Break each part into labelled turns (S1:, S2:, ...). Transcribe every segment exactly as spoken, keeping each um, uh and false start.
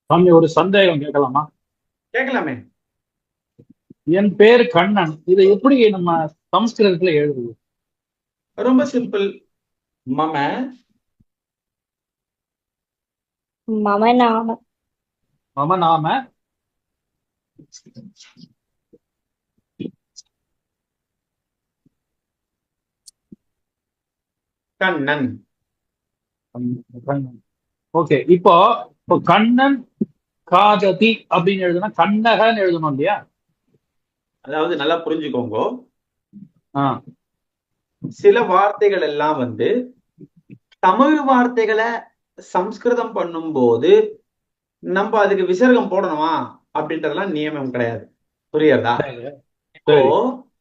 S1: சாமி, ஒரு சந்தேகம் கேட்கலாமா?
S2: கேட்கலாமே.
S1: என் பேர் கண்ணன். இதை எப்படி நம்ம சமஸ்கிருதத்துல எழுதுது?
S2: ரொம்ப சிம்பிள். மம
S3: மம நாம
S1: மம நாம
S2: கண்ணன்.
S1: கண்ணன். ஓகே. இப்போ இப்போ கண்ணன் காததி அப்படின்னு எழுதுனா கண்ணகன்னு எழுதணும் இல்லையா?
S2: அதாவது நல்லா புரிஞ்சுக்கோங்க.
S1: ஆ.
S2: சில வார்த்தைகள் எல்லாம் வந்து தமிழ் வார்த்தைகளை சம்ஸ்கிருதம் பண்ணும்போது நம்ம அதுக்கு விசர்க்கம் போடணுமா அப்படின்றதெல்லாம் நியமம் கிடையாது. புரியுறதா?
S1: சரி.
S2: இப்போ
S1: சரி.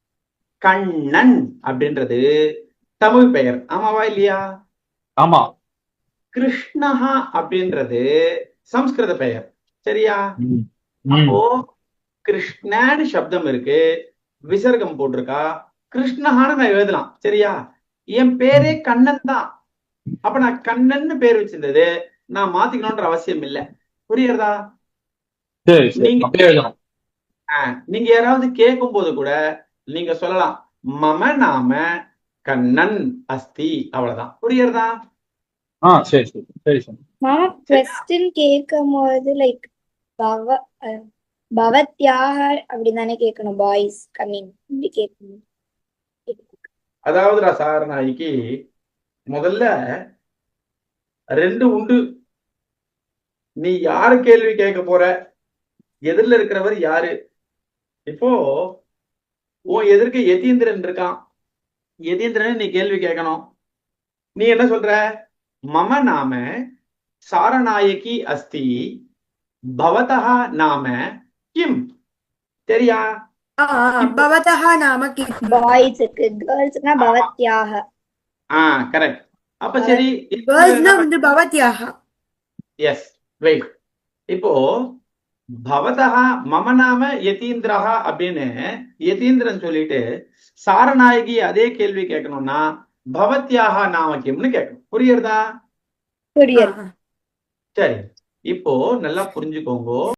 S2: கண்ணன் அப்படின்றது தமிழ் பெயர், ஆமாவா இல்லையா?
S1: ஆமா.
S2: கிருஷ்ணஹா அப்படின்றது சம்ஸ்கிருத பெயர், சரியா?
S1: ம். ம்.
S2: அப்போ கிருஷ்ணன்னு சப்தம் இருக்கு, விசர்க்கம் போட்டிருக்கா, கிருஷ்ணஹான்னு நான் எழுதலாம், சரியா? என் பேரே
S1: ம்.
S2: கண்ணன் தான். அப்ப நான் கண்ணன்னு பேர் வச்சிருந்தது நான் மாத்திக்கணும்ன்ற அவசியம் இல்லை. புரியுறதா?
S1: சரி சரி,
S2: நீங்க
S1: அப்படியே எழுதணும்.
S2: ஆஹ், நீங்க யாராவது கேட்கும் போது கூட நீங்க சொல்லலாம், மம நாம கண்ணன் அஸ்தி, அவ்வளவுதான். புரியுறதா?
S1: ஆ, சரி சரி சரி சாமி.
S3: மம
S2: சரியா?
S3: கொஸ்டின் கேட்கும் போது லைக் பவ அஹ், பவத்யாக அப்படின்னு தானே கேட்கணும். பாய்ஸ் கம்மிங் இப்படி கேட்கணும்.
S2: அதாவதுடா சார், நாய்க்கு முதல்ல ரெண்டு உண்டு. நீ யாரு கேள்வி கேட்க போற, எதிரில இருக்கிறவர் யாரு? இப்போ உன் எதிர்க்க யதீந்திரன் இருக்கான். யதீந்திரன் நீ கேள்வி கேட்கணும். நீ என்ன சொல்ற? மம நாம சாரநாயகி அஸ்தி, பவதः நாம கிம்? சரியா?
S4: ஆ,
S2: இப்போ
S4: பவதः நாம கிம்?
S3: பாய்ஸுக்கு, கேர்ள்ஸ்னா
S2: ஆமா,
S3: பவத்யாக.
S2: ஆ கரெக்ட். அப்ப
S3: பவத்
S2: சரி, யதீந்திரன்
S4: கேர்ள்ஸ்னா
S2: என்ன
S4: வந்து
S2: பண்ண?
S4: பவத்யாக.
S2: Yes, wait. இப்போ பவதः மம நாம யதீந்திரஹ அப்படின்னு யதீந்திரன் சொல்லிட்டு சாரநாயகி அதே கேள்வி கேட்கணும்னா பவத்யாக நாம கிம்னு கேட்கணும். புரியுறதா?
S4: ஆ,
S3: புரியல்.
S4: ஆ.
S2: சரி, இப்போ நல்லா புரிஞ்சுக்கோங்க.